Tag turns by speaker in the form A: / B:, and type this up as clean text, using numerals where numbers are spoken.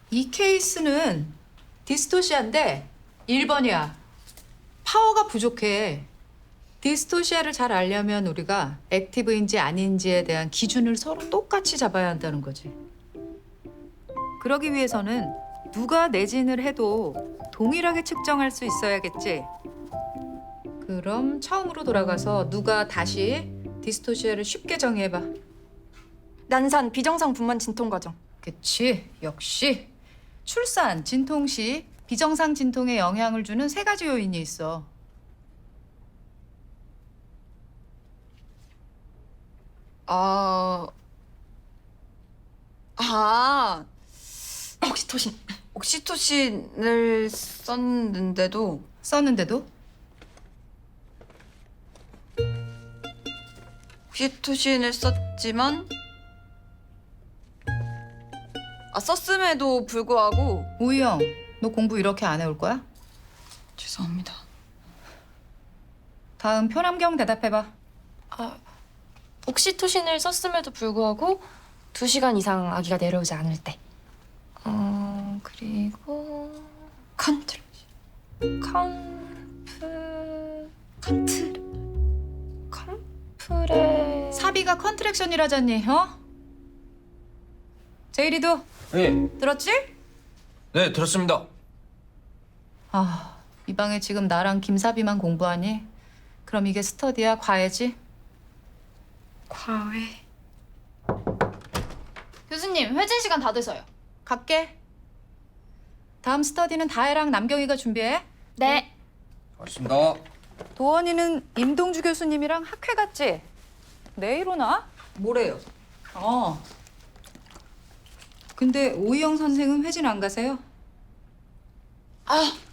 A: 이 케이스는 디스토시아인데 1번이야. 파워가 부족해. 디스토시아를 잘 알려면 우리가 액티브인지 아닌지에 대한 기준을 서로 똑같이 잡아야 한다는 거지. 그러기 위해서는 누가 내진을 해도 동일하게 측정할 수 있어야겠지. 그럼 처음으로 돌아가서 누가 다시 디스토시아를 쉽게 정의해봐.
B: 난산 비정상 분만 진통 과정.
A: 그치, 역시. 출산, 진통 시 비정상 진통에 영향을 주는 세 가지 요인이 있어.
B: 옥시토신. 옥시토신을 썼는데도
A: 썼는데도?
B: 옥시토신을 썼지만 썼음에도 불구하고
A: 우희영, 너 공부 이렇게 안 해올 거야?
B: 죄송합니다.
A: 다음 표남경 대답해봐.
C: 옥시토신을 썼음에도 불구하고 2시간 이상 아기가 내려오지 않을 때. 그리고
B: 컨트롤.
C: 컴프레
A: 사비가 컨트랙션이라잖니, 어? 제이리도
D: 예,
A: 들었지?
D: 네, 들었습니다.
A: 아, 이 방에 지금 나랑 김사비만 공부하니? 그럼 이게 스터디야, 과외지?
B: 과외.
C: 교수님 회진 시간 다 돼서요.
A: 갈게. 다음 스터디는 다혜랑 남경이가 준비해.
C: 네.
D: 알겠습니다.
A: 도원이는 임동주 교수님이랑 학회 갔지? 내일 오나?
B: 뭐래요?
A: 근데 오희영 선생은 회진 안 가세요?